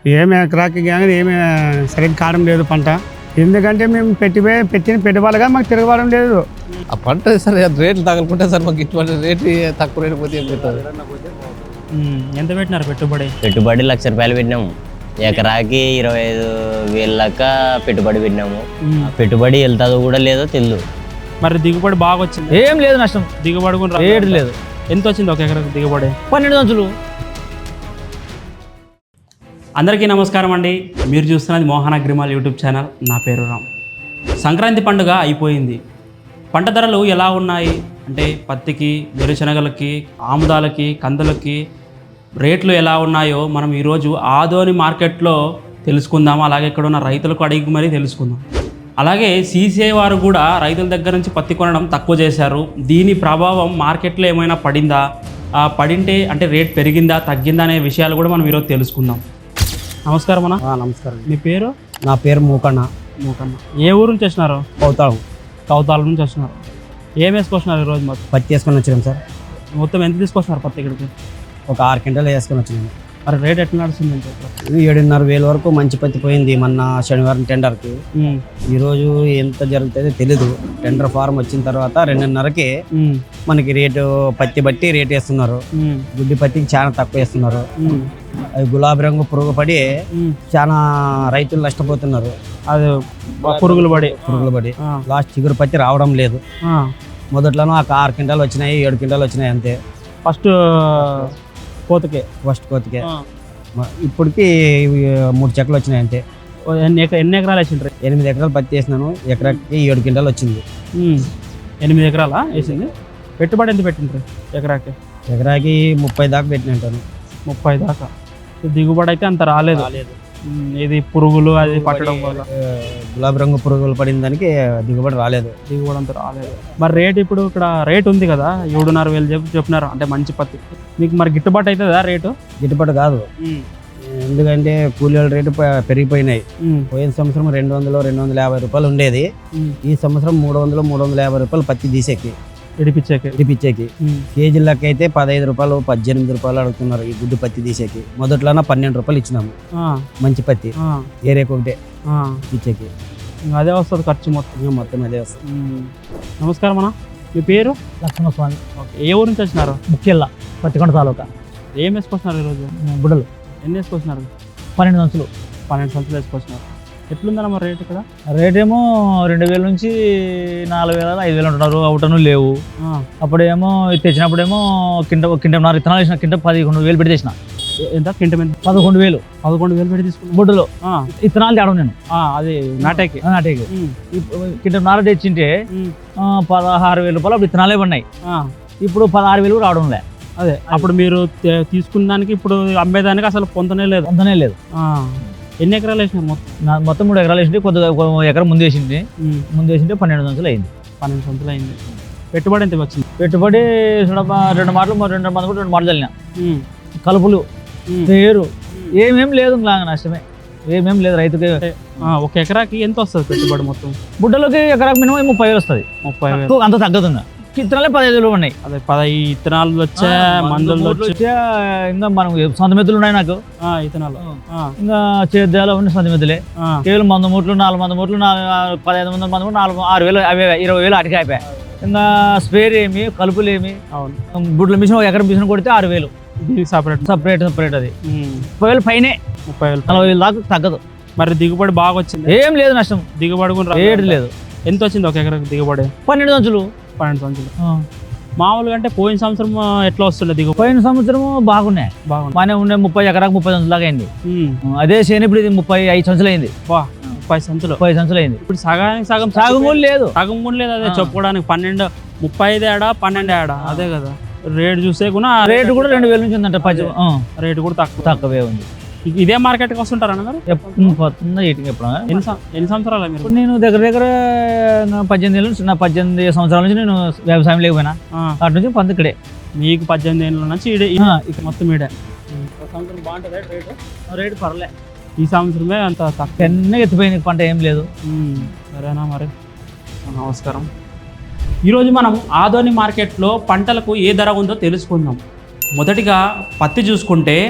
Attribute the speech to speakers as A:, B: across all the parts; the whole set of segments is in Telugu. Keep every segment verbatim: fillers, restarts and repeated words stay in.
A: ఏమి ఎకరాకి కానీ ఏమి సరిగ్గా కావడం లేదు పంట. ఎందుకంటే మేము పెట్టి పెట్టిన పెట్టుబడిగా మాకు తిరగబడడం లేదు.
B: ఆ పంట సార్ రేట్లు తగలుకుంటే సార్ మాకు ఇటువంటి రేట్లు తక్కువ రేటు పోతే ఏం పెడతారు?
C: ఎంత పెట్టినారు పెట్టుబడి?
D: పెట్టుబడి లక్ష రూపాయలు పెట్టినాము. ఎకరాకి ఇరవై ఐదు వేల లెక్క పెట్టుబడి పెట్టినాము. పెట్టుబడి వెళ్తుందో కూడా లేదో తెలియదు.
C: మరి దిగుబడి బాగా వచ్చింది?
E: ఏం లేదు, నష్టం.
C: దిగుబడి కూడా
E: రేటు లేదు.
C: ఎంత వచ్చింది ఒక ఎకరాకి దిగుబడి?
E: పన్నెండు వందలు.
C: అందరికీ నమస్కారం అండి. మీరు చూస్తున్నది మోహన్ అగ్రిమాల్ యూట్యూబ్ ఛానల్. నా పేరు రామ్. సంక్రాంతి పండుగ అయిపోయింది. పంట ధరలు ఎలా ఉన్నాయి అంటే పత్తికి, వేరుశనగలకి, ఆముదాలకి, కందులకి రేట్లు ఎలా ఉన్నాయో మనం ఈరోజు ఆదోని మార్కెట్లో తెలుసుకుందాం. అలాగే ఇక్కడ ఉన్న రైతులకు అడిగి మరీ తెలుసుకుందాం. అలాగే సీసీఐ వారు కూడా రైతుల దగ్గర నుంచి పత్తి కొనడం తక్కువ చేశారు. దీని ప్రభావం మార్కెట్లో ఏమైనా పడిందా, పడింటే అంటే రేట్ పెరిగిందా తగ్గిందా అనే విషయాలు కూడా మనం ఈరోజు తెలుసుకుందాం. నమస్కారం అన్న.
A: నమస్కారం.
C: మీ పేరు?
A: నా పేరు మూకన్న.
C: మూకన్న. ఏ ఊరు నుంచి వచ్చినారు?
A: కౌతాళం.
C: కౌతాళం నుంచి వచ్చినారు. ఏం వేసుకొచ్చినారు ఈరోజు? మొత్తం
A: పత్తి వేసుకొని వచ్చినాం సార్.
C: మొత్తం ఎంత తీసుకొచ్చినారు పత్తి ఇక్కడికి?
A: ఒక ఆరు క్వింటాలు వేసుకొని వచ్చినాము.
C: మరి రేట్ ఎట్లా నడుస్తుందంటే?
A: ఏడున్నర వేల వరకు మంచి పత్తి పోయింది మొన్న శనివారం టెండర్కి. ఈరోజు ఎంత జరుగుతుందో తెలీదు. టెండర్ ఫారం వచ్చిన తర్వాత రెండున్నరకి మనకి రేటు పత్తి బట్టి రేట్ వేస్తున్నారు. గుడ్డి పత్తికి చాలా తక్కువ వేస్తున్నారు. అది గులాబీ రంగు పురుగు పడి చాలా రైతులు నష్టపోతున్నారు.
C: అది పురుగులు పడి
A: పురుగులు పడి లాస్ట్ చిగురు పత్తి రావడం లేదు. మొదట్లోనూ ఒక ఆరు క్వింటాలు వచ్చినాయి, ఏడు క్వింటాలు వచ్చినాయి అంతే.
C: ఫస్ట్ కోతకే
A: ఫస్ట్ కోతకే ఇప్పటికి మూడు చెక్కలు వచ్చినాయి అంతే.
C: ఎన్ని ఎన్ని ఎకరాలు వేసిండ్రు?
A: ఎనిమిది ఎకరాలు పత్తి వేసినాను. ఎకరాకి ఏడు క్వింటాలు వచ్చింది.
C: ఎనిమిది ఎకరాలా వేసింది? పెట్టుబడి ఎంత పెట్టిండ్రు ఎకరాకి?
A: ఎకరాకి ముప్పై దాకా పెట్టినట్టాను.
C: ముప్పై దాకా. దిగుబడి అయితే అంత రాలేదు. ఇది పురుగులు అది పట్టడం వల్ల
A: గులాబీ రంగు పురుగులు పడిన దానికి దిగుబడి రాలేదు.
C: దిగుబడి అంత రాలేదు. మరి రేట్ ఇప్పుడు ఇక్కడ రేట్ ఉంది కదా, ఏడున్నర వేలు చెప్పి చెప్పినారు అంటే మంచి పత్తి. మీకు మరి గిట్టుబాటు అవుతుందా రేటు?
A: గిట్టుబాటు కాదు. ఎందుకంటే కూలీల రేటు పెరిగిపోయినాయి. పోయిన సంవత్సరం రెండు వందలు రెండు వందల యాభై రూపాయలు ఉండేది. ఈ సంవత్సరం మూడు వందలు మూడు వందల యాభై రూపాయలు పత్తి తీసేకి
C: ఇడిపించేకి
A: ఇడిపించేకి కేజీలకి అయితే పదహైదు రూపాయలు పద్దెనిమిది రూపాయలు అడుగుతున్నారు. ఈ గుడ్డు పత్తి తీసేకి మొదట్లోనే పన్నెండు రూపాయలు ఇచ్చినాము మంచి పత్తి ఏరేకి ఒకటే ఇచ్చేకి.
C: అదే వస్తుంది ఖర్చు మొత్తం.
A: మొత్తం అదే వస్తుంది.
C: నమస్కారం అన్న. మీ పేరు?
E: లక్ష్మణస్వామి.
C: ఏ ఊరు నుంచి వచ్చినారు?
E: ముఖ్యల్లా పత్తికొండ తాలూకా.
C: ఏం వేసుకొచ్చినారు ఈరోజు?
E: బుడలు.
C: ఎన్ని వేసుకొచ్చినారు?
E: పన్నెండు సంచులు.
C: పన్నెండు సంచులు వేసుకొచ్చినారు. ఎట్లుందన్న మరి రేట్ ఇక్కడ?
E: రేట్ ఏమో రెండు వేల నుంచి నాలుగు వేల ఐదు వేలు ఉంటున్నారు. అవుటను లేవు. అప్పుడేమో తెచ్చినప్పుడేమో కింట కింటన్నర ఇత్తనాలు వేసిన కింట పదకొండు వేలు పెట్టి తెచ్చిన.
C: ఎంత కింట మీద?
E: పదకొండు వేలు
C: పదకొండు వేలు పెట్టి తీసుకున్నాను.
E: బుడ్డలో ఇత్తనాలు తేడం నేను.
C: అది నాటేకి
E: నాటేకి కింటన్నర తెచ్చింటే పదహారు వేల రూపాయలు అప్పుడు ఇత్తనాలే పడినాయి. ఇప్పుడు పదహారు వేలు రావడం లే.
C: అదే అప్పుడు మీరు తీసుకున్న దానికి ఇప్పుడు అమ్మేదానికి అసలు పొందనే లేదు.
E: పొందనే లేదు.
C: ఎన్ని ఎకరాలు వేసినారు మొత్తం?
E: మొత్తం మూడు ఎకరాలు వేసింది. కొద్దిగా ఎకరం ముందు వేసింది. ముందు వేసింటే పన్నెండు సంచులు అయింది.
C: పన్నెండు సంచులు అయింది. పెట్టుబడి ఎంత వచ్చింది?
E: పెట్టుబడి రెండు మాటలు రెండు మంది కూడా రెండు మాటలు చల్లినా. కలుపులు పేరు ఏమేం లేదు. నష్టమే ఏమేం లేదు రైతుకి.
C: ఒక ఎకరాకి ఎంత వస్తుంది పెట్టుబడి మొత్తం?
E: బుడ్డలోకి ఎకరాకి మినిమం ముప్పై వేలు వస్తుంది.
C: ముప్పై వేలు
E: అంత తగ్గదుందా? ఇత్తనాలే పదహైదు వేలు ఉన్నాయి.
C: అదే పదహైదు ఇత్తనాలు వచ్చా, మందులు వచ్చా.
E: ఇంకా మనం సొంత మెతులు ఉన్నాయి నాకు.
C: ఇత్తనాలు
E: ఇంకా చేద్దాలో ఉన్న సొంత మెతులే. కేవలం వంద మూట్లు నాలుగు వంద మూట్లు నాలుగు పదహైదు వందల మంది కూడా నాలుగు ఆరు వేలు అవే ఇరవై వేలు అటుకే అయిపోయాయి. ఇంకా స్పేర్ ఏమి కలుపులు ఏమి. అవును. బుడ్ల మిషన్ ఒక ఎకరం మిషన్ కొడితే ఆరు వేలు.
C: సపరేట్
E: సపరేట్ సపరేట్ అది ముప్పై వేలు పైనే. ముప్పై వేలు నలభై వేలు దాకా తగ్గదు.
C: మరి దిగుబడి బాగా వచ్చింది?
E: ఏం లేదు, నష్టం.
C: దిగుబడి కూడా
E: రేటు లేదు.
C: ఎంత వచ్చింది ఒక ఎకరాకి దిగుబడి?
E: పన్నెండు సంచులు.
C: పన్నెండు సంచులు. మామూలుగా అంటే పోయిన సంవత్సరం ఎట్లా వస్తుండే దిగుబడి?
E: పోయిన సంవత్సరము బాగున్నాయి.
C: బాగున్నాయి.
E: బాగానే ఉండే. ముప్పై ఎకరాకు ముప్పై సంచులు దాకా అయింది. అదే చేయని ఇప్పుడు ఇది ముప్పై ఐదు సంచులు అయింది.
C: ముప్పై సంచులు
E: ముప్పై సంచులు అయింది.
C: ఇప్పుడు సగానికి సగం
E: సగం కూడా లేదు.
C: సగం కూడా లేదు. అదే చెప్పుకోవడానికి పన్నెండు ముప్పై ఐదు ఏడా పన్నెండు ఏడా అదే కదా. రేటు చూస్తే కూడా
E: రేటు కూడా రెండు వేల నుంచి ఉందంట. పది
C: రేటు కూడా తక్కువ
E: తక్కువే ఉంది.
C: ఇదే మార్కెట్కి వస్తుంటారా మీరు?
E: ఎప్పుడు
C: ఎన్ని సంవత్సరాలు మీరు?
E: నేను దగ్గర దగ్గర పద్దెనిమిది ఏళ్ళ నుంచి నా పద్దెనిమిది సంవత్సరాల నుంచి నేను వ్యవసాయం లేకపోయినా అటు నుంచి పంత ఇక్కడే.
C: మీకు పద్దెనిమిది ఏళ్ళ నుంచి ఇడే మొత్తం ఇడే.
E: సంవత్సరం బాగుంటుంది రేటు. రేటు పర్లే.
C: ఈ సంవత్సరమే అంత తక్కువ.
E: ఎన్ని ఎత్తిపోయింది పంట ఏం లేదు.
C: సరేనా మరి. నమస్కారం. ఈరోజు మనం ఆదోని మార్కెట్లో పంటలకు ఏ ధర ఉందో తెలుసుకుందాం. మొదటిగా పత్తి చూసుకుంటే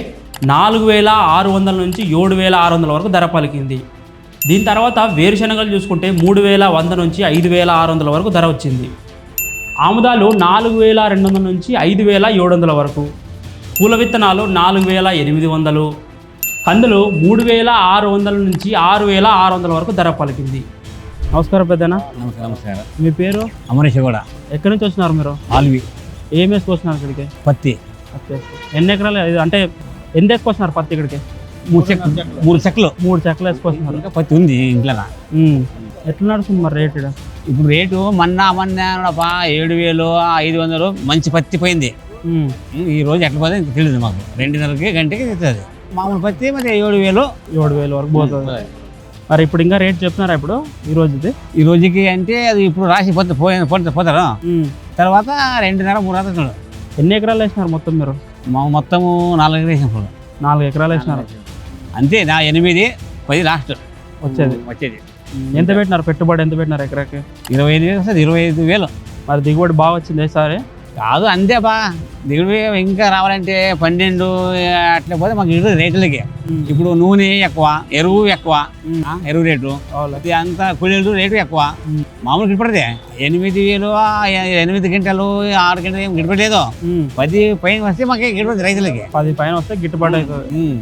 C: నాలుగు వేల ఆరు వందల నుంచి ఏడు వేల ఆరు వందల వరకు ధర పలికింది. దీని తర్వాత వేరుశనగలు చూసుకుంటే మూడు వేల వంద నుంచి ఐదు వేల ఆరు వందల వరకు ధర వచ్చింది. ఆముదాలు నాలుగు వేల రెండు వందల నుంచి ఐదు వేల ఏడు వందల వరకు, పూల విత్తనాలు నాలుగు వేల ఎనిమిది వందలు, కందులు మూడు వేల ఆరు వందల నుంచి ఆరు వేల ఆరు వందల వరకు ధర పలికింది. నమస్కారం పెద్దనా.
F: నమస్కారం నమస్కారం
C: మీ పేరు?
F: అమరేష్ కూడా
C: ఎక్కడి నుంచి వచ్చినారు మీరు?
F: ఆల్వి
C: ఏం వేసుకొచ్చినారు ఇక్కడికి?
F: పత్తి
C: పత్తి వేసుకో. ఎన్ని ఎకరాలు ఇది అంటే ఎంత వేసుకొచ్చినారు పత్తి ఇక్కడికి?
F: మూడు చెక్ మూడు చెక్కలు
C: మూడు చెక్కలు వేసుకొస్తున్నారు.
F: ఇంకా పత్తి ఉంది ఇంట్లో.
C: ఉమ్. ఎట్లా నడుస్తుంది మరి రేట్ ఈడ?
F: ఇప్పుడు రేటు మొన్న మొన్న ఏడు వేలు ఐదు వందలు మంచి పత్తి పోయింది.
C: ఉమ్.
F: ఈ రోజు ఎట్లా పోతే తెలియదు మాకు. రెండున్నరకి గంటకి తెస్తుంది మామూలు పత్తి. మరి ఏడు వేలు
C: ఏడు వేలు వరకు పోతుంది. మరి ఇప్పుడు ఇంకా రేట్ చెప్తున్నారా ఇప్పుడు ఈ రోజుది?
F: ఈ రోజుకి అంటే అది ఇప్పుడు రాసి పోతే పోయి పోతే పోతారు.
C: ఉమ్.
F: తర్వాత రెండున్నర మూడు రాత్రులు.
C: ఎన్ని ఎకరాలు వేసినారు మొత్తం మీరు?
F: మా మొత్తము నాలుగు వేసినప్పుడు
C: నాలుగు ఎకరాలు వేసినారు.
F: అంతే. నా ఎనిమిది పది లాస్ట్
C: వచ్చేది
F: వచ్చేది.
C: ఎంత పెట్టినారు పెట్టుబడి? ఎంత పెట్టినారు ఎకరాకి?
F: ఇరవై ఐదు వేలు వస్తుంది. ఇరవై ఐదు వేలు
C: మరి దిగుబడి బాగా వచ్చింది ఈసారి?
F: కాదు అంతే బా. దిగుబడి ఇంకా రావాలంటే పన్నెండు అట్లా పోతే మాకు ఇటు రేట్లకి. ఇప్పుడు నూనె ఎక్కువ, ఎరువు ఎక్కువ, ఆ, ఎరువు రేటు ఇది అంతా కూలీలు రేటు ఎక్కువ. మామూలు గిట్టుపడదే ఎనిమిది వేలు ఆ, ఎనిమిది గంటలు ఆరు గంటలు ఏం గిట్టుపడలేదు. పది పైన వస్తే మాకు గిట్టుపడుతుంది రైతులకి.
C: పది పైన వస్తే గిట్టుబాటు అవుతుంది.
F: ఉమ్.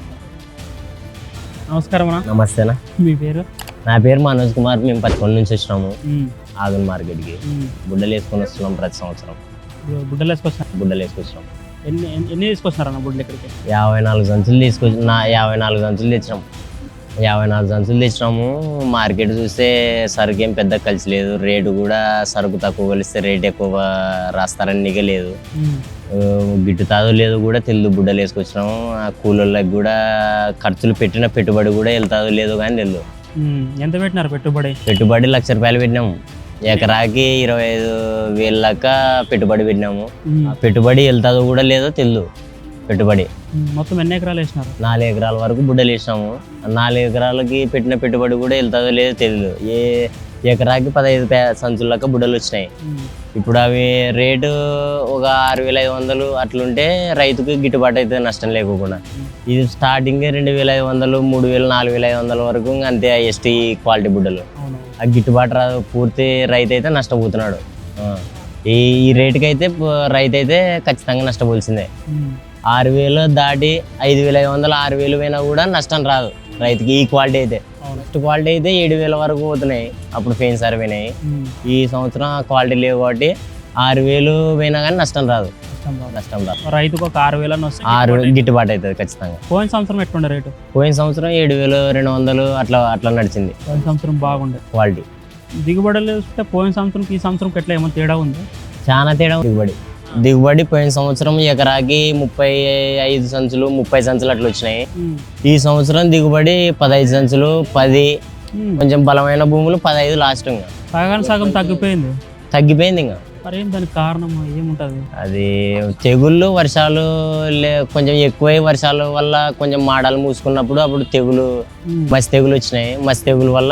C: నమస్కారం అన్న.
D: నమస్తేనా.
C: మీ పేరు?
D: నా పేరు మనోజ్ కుమార్. మేము పదకొండు నుంచి వచ్చినాము
C: ఉమ్.
D: ఆగన్ మార్కెట్కి.
C: ఉమ్.
D: బుడ్డలు వేసుకొని వస్తున్నాం ప్రతి సంవత్సరం.
C: ఇప్పుడు బుడ్డలు వేసుకొచ్చినారు.
D: బుడ్డలు వేసుకొచ్చినాం.
C: ఎన్ని ఎన్ని- ఎన్ని తీసుకొచ్చినారు అన్న బుడ్డలు ఇక్కడికి?
D: యాభై నాలుగు సంచులు తీసుకొచ్చి నా యాభై నాలుగు సంచులు తెచ్చినాం. యాభై నాలుగు సంచులు తెచ్చినాము. మార్కెట్ చూస్తే సరుకు ఏం పెద్ద కలిసి లేదు. రేటు కూడా సరుకు తక్కువ కలిస్తే రేట్ ఎక్కువ రాస్తారని లేదు.
C: ఉమ్.
D: ఆ, గిట్టుతాదో లేదో కూడా తెలియదు. బుడ్డలు వేసుకొచ్చినాము. ఆ కూలోళ్ళకి కూడా ఖర్చులు పెట్టిన పెట్టుబడి కూడా వెళ్తాదో లేదో కానీ తెలియదు.
C: ఉమ్. ఎంత పెట్టినారు పెట్టుబడి?
D: పెట్టుబడి లక్ష రూపాయలు పెట్టినాము. ఎకరాకి ఇరవై ఐదు వేల లెక్క పెట్టుబడి పెట్టినాము.
C: ఉమ్.
D: ఆ పెట్టుబడి వెళ్తాదో కూడా లేదో తెలియదు. పెట్టుబడి
C: ఉమ్. మొత్తం ఎన్ని ఎకరాలు వేసినారు?
D: నాలుగు ఎకరాల వరకు బుడ్డలు వేసినాము. ఆ నాలుగు ఎకరాలకి పెట్టిన పెట్టుబడి కూడా వెళ్తాదో లేదో తెలియదు. ఏ ఎకరాకి పదహైదు పే సంచుల లెక్క బుడ్డలు వచ్చినాయి.
C: ఉమ్.
D: ఇప్పుడు అవి రేటు ఒక ఆరు వేల ఐదు వందలు అట్లుంటే రైతుకు గిట్టుబాటు అవుతుంది నష్టం లేకుండా. ఇది స్టార్టింగ్ రెండు వేల ఐదు వందలు మూడు వేలు నాలుగు వేల ఐదు వందల వరకు ఇంకా అంతే ఎస్టీ క్వాలిటీ బుడ్డలు.
C: అవును.
D: ఆ గిట్టుబాటు రాదు. పూర్తి రైతు అయితే నష్టపోతున్నాడు. ఆ, ఈ ఈ రేటుకి అయితే ప- రైతు అయితే ఖచ్చితంగా నష్టపోల్సిందే.
C: ఉమ్.
D: ఆరు వేలు దాటి ఐదు వేల ఐదు వందలు ఆరు వేలు పోయినా కూడా నష్టం రాదు రైతుకి. ఈ క్వాలిటీ అయితే
C: అవును.
D: ఫస్ట్ క్వాలిటీ అయితే ఏడు వేల వరకు పోతున్నాయి. అప్పుడు ఫెయిన్ సార్ పోయినాయి.
C: ఉమ్.
D: ఈ సంవత్సరం ఆ క్వాలిటీ లేవు కాబట్టి ఆరు వేలు పోయినా కానీ నష్టం రాదు.
C: నష్టం రాదు.
D: నష్టం రాదు.
C: రైతుకు ఒక ఆరు వేలని వస్తే
D: ఆరు
C: గిట్టుబాటు
D: గిట్టుబాటు అవుతుంది ఖచ్చితంగా.
C: అవుతుంది. పోయిన సంవత్సరం ఎట్లుండే రేటు?
D: పోయిన సంవత్సరం ఏడు వేలు రెండు వందలు అట్లా అట్లా నడిచింది
C: పోయిన సంవత్సరం బాగుండే.
D: క్వాలిటీ.
C: దిగుబడులు చూస్తే పోయిన సంవత్సరంకి ఈ సంవత్సరంకి ఎట్లా ఏమైనా తేడా ఉంది?
D: చాలా తేడా ఉంది. దిగుబడి దిగుబడి పోయిన సంవత్సరం ఎకరాకి ముప్పై ఐదు సంచులు ముప్పై సంచులు అట్లా వచ్చినాయి.
C: ఉమ్.
D: ఈ సంవత్సరం దిగుబడి పదహైదు సంచులు పది.
C: ఉమ్.
D: కొంచెం బలమైన భూములు పదహైదు లాస్ట్. ఇంకా
C: సగానికి సగం తగ్గిపోయింది.
D: తగ్గిపోయింది. ఇంకా
C: మరి ఏం దానికి కారణం ఏముంటుంది?
D: అది తెగుళ్ళు వర్షాలు లే కొంచెం ఎక్కువై వర్షాల వల్ల కొంచెం మాడాలు మూసుకున్నప్పుడు అప్పుడు తెగులు
C: ఉమ్.
D: మసి తెగులు వచ్చినాయి. మసి తెగులు వల్ల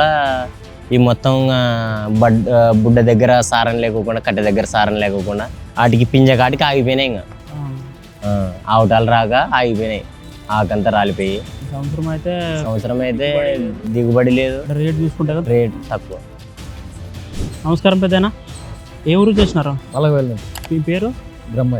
D: ఈ మొత్తం ఆ, బడ్ ఆ, బుడ్డ దగ్గర సారం లేకోకుండా కట్టె దగ్గర సారం లేకోకుండా వాటికి పింజ కాటికి ఆగిపోయినాయి. ఇంకా
C: ఆ.
D: ఆ, ఆవుటాలు రాక ఆగిపోయినాయి. ఆకంతా రాలిపోయి.
C: ఈ సంవత్సరం అయితే
D: సంవత్సరం అయితే దిగుబడి లేదు.
C: రేట్ చూసుకుంటే కదా.
D: రేట్ తక్కువ.
C: నమస్కారం పెద్దనా. ఏ ఊరు చేసినారు?
B: నలభై వేలు
C: మీ పేరు?
B: బ్రహ్మయ్య.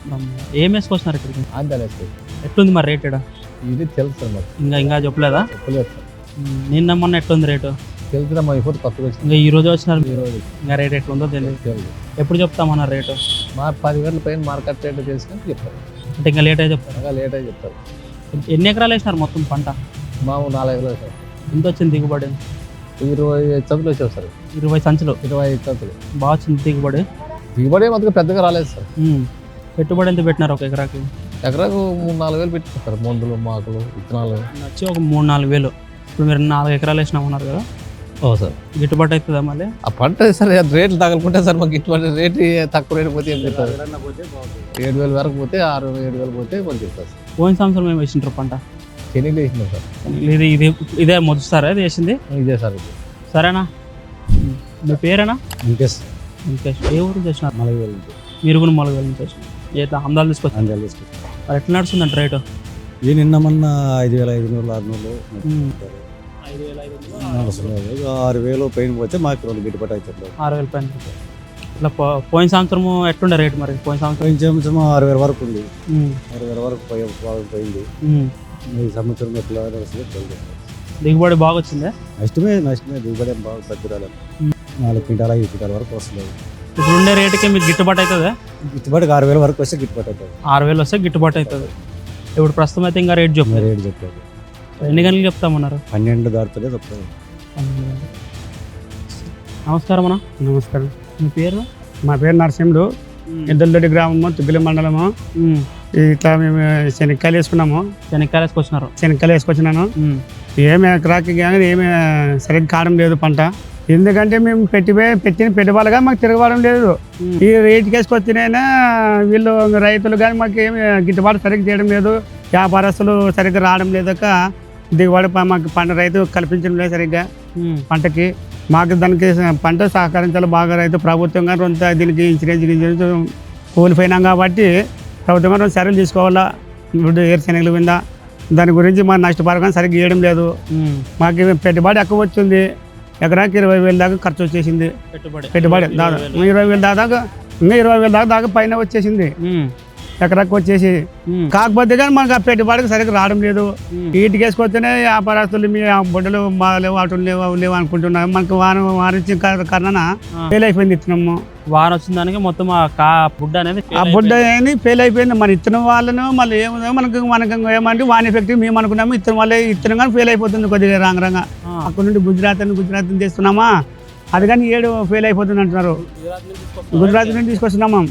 C: ఏం వేసుకొచ్చినారు ఇక్కడికి?
B: ఆంధ్రప్రదేశ్
C: ఎట్లుంది మరి రేట్ ఈడ?
B: ఇది తెలుసు సార్ మాకు.
C: ఇంకా ఇంకా చెప్పలేదా?
B: చెప్పలేదు సార్.
C: ఉమ్. నిన్న మొన్న ఎట్లుంది రేటు?
B: తెలుసురా మా ఇప్పుడు కొత్తగా వచ్చింది
C: ఇంకా ఈ రోజు వచ్చినారు.
B: ఈ రోజు.
C: ఇంకా రేట్ ఎట్లుందో తెలియదు.
B: తెలుసు.
C: ఎప్పుడు చెప్తామన్నారు రేటు?
B: మా పదివేల పైన మార్కెట్ రేట్ చేసుకుని చెప్తారు.
C: అంటే ఇంకా లేట్ అయితే చెప్తారు.
B: బాగా లేట్ అయి చెప్తారు.
C: ఎన్ని ఎకరాలు వేసినారు మొత్తం పంట?
B: మాము నాలుగు వేలు సార్.
C: ఎంత వచ్చింది దిగుబడి?
B: ఇరవై చదువులు వచ్చావు సార్.
C: ఇరవై సంచులు.
B: ఇరవై ఐదు చదువులు.
C: బాగా వచ్చింది దిగుబడి.
B: దిగుబడి మాత్రం పెద్దగా రాలేదు సార్.
C: ఉమ్. పెట్టుబడి ఎంత పెట్టినారు ఒక ఎకరాకి?
B: ఎకరాకు మూడు నాలుగు వేలు పెట్టుకుంటారు సార్. మందులు మాకులు విత్తనాలు.
C: వచ్చి ఒక మూడు నాలుగు వేలు. ఇప్పుడు మీరు నాలుగు ఎకరాలు వేసినామన్నారు కదా,
B: ఓ సార్.
C: గిట్టుబాటు అవుతుందా మళ్ళీ?
B: ఆ పంట సార్ రేట్లు తగలుకుంటే సార్ మాకు ఇటువంటి రేటు తక్కువ రేటు పోతే ఏం చెప్తారు? ఏడు వేలు వరకు పోతే ఆరు ఏడు వేలు పోతే కొంచెం చెప్తారు సార్.
C: పోయిన సంవత్సరం మేము వేసింటారు పంట.
B: శనగలు వేసినాం సార్.
C: ఇది ఇది ఇదే మొదటిసారా ఇది వేసింది?
B: ఇదే సార్ ఇది.
C: సరేనా? మీ పేరేనా?
B: ఇంకేస్
C: ఇంకేష్. ఏ ఊరు చేసినారు?
B: నాలుగు వేలు
C: మీరు కూడా మొలగ నుంచి చేసినారు. ఏ అహ్మదాలు తీసుకొచ్చి
B: అందాలు తీసుకొచ్చి
C: మరి ఎట్లా నడుస్తుందంట రేటు?
G: ఏ నిన్న మొన్న ఐదు వేల ఐదు వందలు ఆరు వందలు నడుస్తున్నారు. ఆరు వేలు పైన పోతే మాకు రెండు గిట్టుబాటు అవుతుంది.
C: ఆరు వేల పైన ఇట్లా పో- పోయిన సంవత్సరము ఎట్లుండే రేట్ మరి పోయిన సంవత్సరం?
G: పోయిన సంవత్సరం ఆరు వేల వరకు ఉంది.
C: ఉమ్,
G: ఆరు వేల వరకు పోయి బాగా పోయింది.
C: ఉమ్.
G: ఈ సంవత్సరం ఎట్లా నడుస్తుందో తెలియదు.
C: దిగుబడి బాగా వచ్చిందే.
G: నష్టమే నష్టమే దిగుబడి ఏం బాగా పెద్ద రాలేదు. నాలుగు క్వింటాల ఐదు క్వింటాల వరకు వస్తుంది.
C: ఇప్పుడు ఉండే రేటుకి మీకు గిట్టుబాటు అవుతుందా?
G: గిట్టుబాటుకి ఆరు వేల వరకు వస్తే గిట్టుబాటు అవుతుంది.
C: ఆరు వేలు వస్తే గిట్టుబాటు అవుతుంది. ఇప్పుడు ప్రస్తుతం అయితే ఇంకా రేట్ చెప్పు.
G: రేటు చెప్పలేదు.
C: ఎన్ని గంటలకు చెప్తామన్నారు?
G: పన్నెండు దాటుతుందే చెప్తాను.
C: నమస్కారం అన్న.
H: నమస్కారం.
C: మీ పేరు?
H: మా పేరు నరసింహుడు. ఎద్దలదొడ్డి గ్రామము, తుగ్గిలి మండలము.
C: ఉమ్,
H: ఇట్లా మేము శనక్కాయలు వేసుకున్నాము.
C: శనక్కాయలు వేసుకొచ్చినారు.
H: శనక్కాయలు వేసుకొచ్చినాను.
C: ఉమ్,
H: ఏమి ఎకరాకి కానీ ఏమి సరిగ్గా కావడం లేదు పంట. ఎందుకంటే మేము పెట్టి పెట్టిన పెట్టుబడిగా మాకు తిరగబడడం లేదు. ఈ రేటుకి వేసుకొచ్చినైనా వీళ్ళు రైతులు కానీ మాకు ఏమి గిట్టుబాటు సరిగ్గా చేయడం లేదు. వ్యాపారస్తులు సరిగ్గా రావడం లేదక దిగుబడి ప- మాకు పంట రైతు కల్పించడం లేదు సరిగ్గా
C: ఉమ్,
H: పంటకి. మాకు దానికి పంట సహకరించాలి బాగా. రైతు ప్రభుత్వం కానీ కొంత దీనికి ఇన్సూరెన్స్ గిన్సూరెన్స్ కూలిపోయినాం కాబట్టి ప్రభుత్వం కానీ చర్యలు తీసుకోవాలా. ఇప్పుడు ఏరుశనగలు మీద దాని గురించి మా నష్టపరకం సరిగ్గా ఇవ్వడం లేదు.
C: ఉమ్.
H: మాకు పెట్టుబడి ఎక్కువ వచ్చింది. ఎకరాకి ఇరవై వేల దాకా ఖర్చు వచ్చేసింది.
C: పెట్టుబడి
H: పెట్టుబడి దాదాపు ఇరవై వేల దాకా ఇంకా ఇరవై వేల దాకా దాకా పైన వచ్చేసింది
C: ఉమ్,
H: ఎకరాకి వచ్చేసి.
C: ఉమ్,
H: కాకపోతే కానీ మనకు ఆ పెట్టుబడికి సరిగ్గా రావడం లేదు.
C: ఉమ్.
H: వీటికి వేసుకొస్తేనే వ్యాపారస్తులు మీ ఆ బొడ్డలు మా లేవు అటు లేవు అవి లేవు అనుకుంటున్నాం. మనకు వారం వారించిన కారణాన ఫెయిల్ అయిపోయింది ఇత్తనము.
C: వారం వచ్చిన దానికి మొత్తం ఆ కా బుడ్డ అనేది
H: ఆ బొడ్డ అని ఫెయిల్ అయిపోయింది. మన ఇత్తనం వాళ్ళను మళ్ళీ ఏముందో మనకు మనకు ఏమంటే వాన్ ఎఫెక్ట్ మేము అనుకున్నాము. ఇత్తనం వల్ల ఇత్తనం కానీ ఫెయిల్ అయిపోతుంది కొద్దిగా రాంగ రంగా. అక్కడ నుండి గుజరాత్ అని గుజరాత్ నుంచి తెస్తున్నామా, అది కానీ ఏడు ఫెయిల్ అయిపోతుంది అంటున్నారు. గుజరాత్ నుండి తీసుకొస్తున్నామా,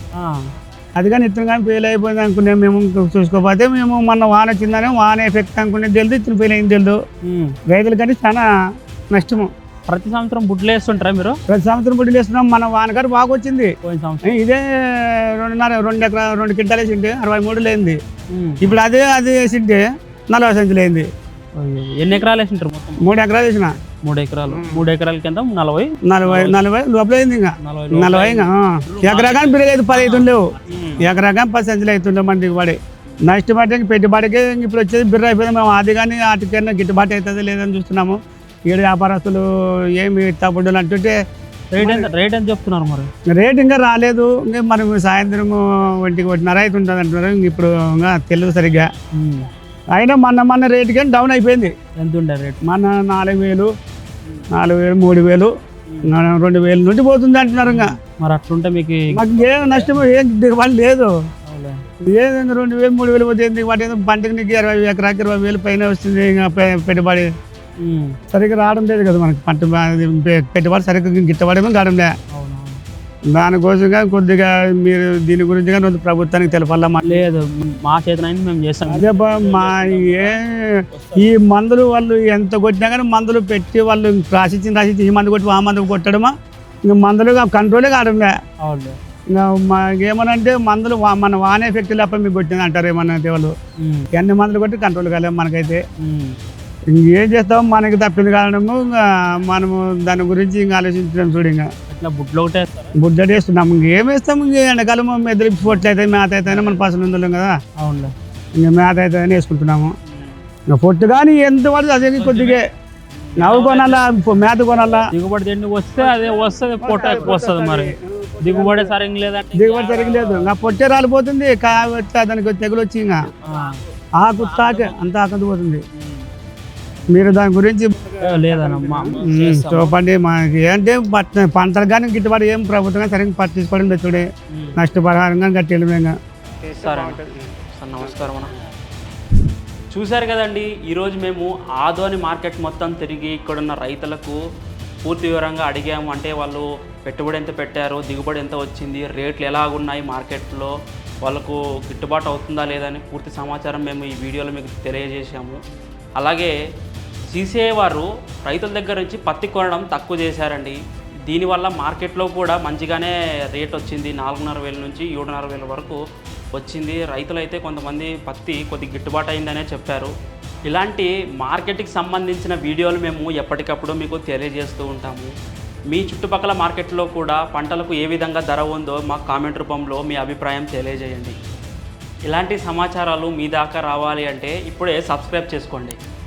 H: అది కానీ ఇత్తనం కానీ ఫెయిల్ అయిపోయింది అనుకునే మేము చూసుకోకపోతే మేము మొన్న వాన వచ్చిందని వాన ఎఫెక్ట్ అనుకునేది తెలియదు, ఇత్తనం ఫెయిల్ అయింది తెలియదు. రైతులు కానీ చాలా నష్టము.
C: ప్రతి సంవత్సరం బుడ్లు వేస్తుంటారా మీరు?
H: ప్రతి సంవత్సరం బుడ్డలు వేస్తున్నాం. మన వానగారు బాగా వచ్చింది.
C: పోయిన సంవత్సరం
H: ఇదే రెండున్నర రెండు ఎకరా రెండు క్వింటాలు వేసింటే అరవై మూడు లేనిది.
C: ఉమ్.
H: ఇప్పుడు అదే అది వేసింటే నలభై సంచులు అయింది.
C: అయ్యో. ఎన్ని ఎకరాలు వేసింటారు మొత్తం?
H: మూడు ఎకరాలు వేసిన.
C: మూడు ఎకరాలు మూడు ఎకరాల కింద నలభై
H: నలభై నలభై లోపల అయింది. ఇంకా
C: నలభై
H: నలభై ఇంకా ఎకరా కానీ పెరిగేది పది అవుతుండేవు. ఎకరా కానీ పది సంచులు అవుతుండే మన దిగుబడి. నష్టపడి పెట్టుబడికి ఇప్పుడు వచ్చేది బిర్ర అయిపోయింది. మేము అది కానీ వాటికైనా గిట్టుబాటు అవుతుంది లేదని చూస్తున్నాము. ఈడ వ్యాపారస్తులు ఏమి తప్పుడు అంటుంటే
C: రేట్ ఎంత రేట్ ఎంత చెప్తున్నారు మరి?
H: రేట్ ఇంకా రాలేదు. ఇంకా మనం సాయంత్రం ఒంటికి ఒకటిన్నర అవుతుంటుంది అంటున్నారు. ఇంక ఇప్పుడు ఇంకా తెలియదు సరిగ్గా.
C: ఉమ్.
H: అయినా మొన్న మొన్న రేటు కానీ డౌన్ అయిపోయింది.
C: ఎంత ఉండే రేట్?
H: మన నాలుగు వేలు నాలుగు వేలు మూడు వేలు రెండు వేలు నుండి పోతుంది అంటున్నారు. ఇంకా
C: మరి అట్లుంటే మీకు
H: మాకు ఏం నష్టం ఏం దిగుబడి లేదు.
C: అవులే.
H: ఏదైనా రెండు వేలు మూడు వేలు పోతుంది. వాటి ఏదో పంటకి నీకు ఇరవై ఎకరాకి ఇరవై వేలు పైన వస్తుంది. ఇంకా పె- పెట్టుబడి
C: ఉమ్.
H: సరిగ్గా రావడం లేదు కదా మనకి. పంట బా- పె- పెట్టుబడి సరిగ్గా గిట్టబడి కావడం లే.
C: అవునవును.
H: దానికోసంగా కొద్దిగా మీరు దీని గురించి కానీ కొంచెం ప్రభుత్వానికి తెలపాలా.
C: లేదు మా చేతనైంది మేము చేస్తాం.
H: అదే బా మా ఏ ఈ మందులు వాళ్ళు ఎంత కొట్టినా కానీ మందులు పెట్టి వాళ్ళు రాసిచ్చిన రాసిచ్చి ఈ మందు కొట్టి ఆ మందు కొట్టడమా ఇంకా మందులు కంట్రోలే కావడంలే.
C: అవును.
H: ఇంకా మాకేమనంటే మందులు వా- మన వానే ఎఫెక్ట్ లేక మీకు కొట్టింది అంటారు ఏమన్నా వాళ్ళు.
C: ఉమ్.
H: ఎన్ని మందులు కొట్టి కంట్రోల్ కాలేము మనకైతే.
C: ఉమ్.
H: ఇంకేం చేస్తాం, మనకి తప్పింది కావడము. ఇంకా మనము దాని గురించి ఇంకా ఆలోచించడం చూడు. ఇంకా
C: ఇట్లా బుడ్లు ఒకటే వేస్తారా?
H: బుడ్డటి వేస్తున్నాం. ఇంకేం వేస్తాం? ఇంక ఎండాకాలం మెదలు పొట్లు అయితే మేత అయితే మన పసలు ఉందలేం కదా.
C: అవునులే.
H: ఇంకా మేత అయితే వేసుకుంటున్నాము. ఇంకా పొట్టు కానీ ఎంత పడుతుంది అదే కొద్దిగా నవ్వు కొనాలా, మేత కొనాలా.
C: దిగుబడి తిండి వస్తే అదే వస్తుంది, పొట్ట ఎక్కువ వస్తుంది. మరి దిగుబడి సరిగ్గా లేదంటే
H: దిగుబడి సరిగలేదు. ఇంకా పొట్టే రాలిపోతుంది. కావచ్చు దానికి తెగులు వచ్చి ఇంకా ఆకు తాకే అంత ఆకంది పోతుంది. మీరు దాని గురించి
C: లేదన్నమ్మా
H: ఉమ్, చూపండి. మనకి ఏంటంటే పట్ట పంటలు కానీ గిట్టుబాటు ఏం ప్రభుత్వం కానీ సరిగ్గా పట్టించుకోవడం లేదు. చూడే నష్టపరిహారం కానీ కట్టేయడం.
C: సరే సార్, నమస్కారం అన్న. చూశారు కదండి, ఈరోజు మేము ఆదోని మార్కెట్ మొత్తం తిరిగి ఇక్కడున్న రైతులకు పూర్తి వివరంగా అడిగాము. అంటే వాళ్ళు పెట్టుబడి ఎంత పెట్టారు, దిగుబడి ఎంత వచ్చింది, రేట్లు ఎలాగున్నాయి మార్కెట్లో, వాళ్ళకు గిట్టుబాటు అవుతుందా లేదని పూర్తి సమాచారం మేము ఈ వీడియోలో మీకు తెలియజేశాము. అలాగే సీసీఐ వారు రైతుల దగ్గర నుంచి పత్తి కొనడం తక్కువ చేశారండి. దీనివల్ల మార్కెట్లో కూడా మంచిగానే రేట్ వచ్చింది. నాలుగున్నర వేల నుంచి ఏడున్నర వేల వరకు వచ్చింది. రైతులైతే కొంతమంది పత్తి కొద్ది గిట్టుబాటు అయిందనే చెప్పారు. ఇలాంటి మార్కెట్కి సంబంధించిన వీడియోలు మేము ఎప్పటికప్పుడు మీకు తెలియజేస్తూ ఉంటాము. మీ చుట్టుపక్కల మార్కెట్లో కూడా పంటలకు ఏ విధంగా ధర ఉందో మాకు కామెంట్ రూపంలో మీ అభిప్రాయం తెలియజేయండి. ఇలాంటి సమాచారాలు మీ దాకా రావాలి అంటే ఇప్పుడే సబ్స్క్రైబ్ చేసుకోండి.